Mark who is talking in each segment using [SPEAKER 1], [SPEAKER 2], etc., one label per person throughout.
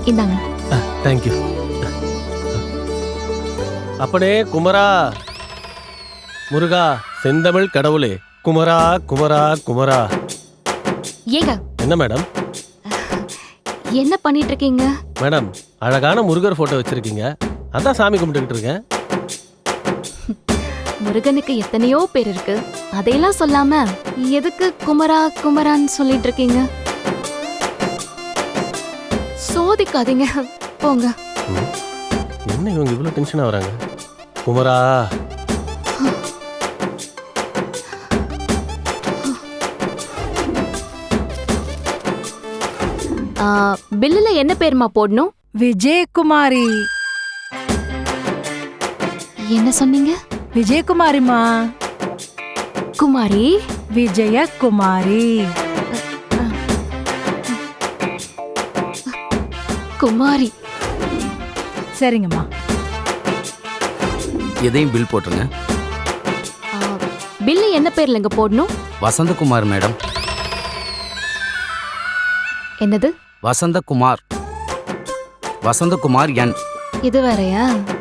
[SPEAKER 1] இந்தாங்க.
[SPEAKER 2] தேங்க்யூ. அப்பனே குமரா, முருகா, செந்தமிழ் கடவுளே, குமரா குமரா குமரா.
[SPEAKER 1] ஏங்க
[SPEAKER 2] என்ன மேடம்?
[SPEAKER 1] என்ன பண்ணிட்டு இருக்கீங்க?
[SPEAKER 2] மேடம், அழகான முருகர் போட்டோ வச்சிருக்கீங்க, அதான் சாமி கும்பிட்டுக்கிட்டு இருக்கேன்.
[SPEAKER 1] முருகனுக்கு எத்தனையோ பேர் இருக்கு, அதையெல்லாம் சொல்லாம எதுக்கு குமரா குமரான்னு சொல்லிட்டு இருக்கீங்க? சோதிக்காதீங்க, போங்க.
[SPEAKER 2] என்ன இவங்க இவ்வளவு டென்ஷனா வராங்க? குமரா.
[SPEAKER 1] பில்லுல என்ன பேருமா போடணும்?
[SPEAKER 3] விஜயகுமாரி.
[SPEAKER 1] என்ன சொன்னீங்க?
[SPEAKER 3] விஜயகுமாரிமா.
[SPEAKER 1] குமாரி.
[SPEAKER 3] விஜயகுமாரி.
[SPEAKER 1] குமாரி.
[SPEAKER 3] சரிங்கம்மா.
[SPEAKER 4] எதையும் பில் போட்டுருங்க.
[SPEAKER 1] பில்லு என்ன பேர்லங்க போடணும்?
[SPEAKER 4] வசந்தகுமார் மேடம்.
[SPEAKER 1] என்னது?
[SPEAKER 4] வசந்தகுமார். வசந்தகுமார் என்.
[SPEAKER 1] இது வேறயா?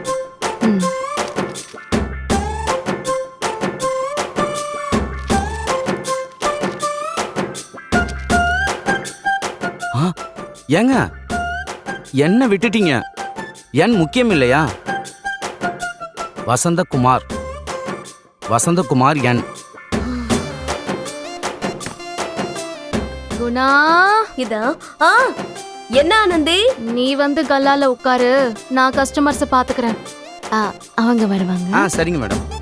[SPEAKER 4] ஏங்க என்ன விட்டுட்டீங்க? என் முக்கியம் இல்லையா? வசந்தகுமார். வசந்தகுமார் என்.
[SPEAKER 1] குணா.
[SPEAKER 5] இதா என்ன ஆனந்தி?
[SPEAKER 1] நீ வந்து கல்லால உட்காரு, நான் கஸ்டமர்ஸ பாத்துக்கிறேன். அவங்க வருவாங்க.
[SPEAKER 4] சரிங்க மேடம்.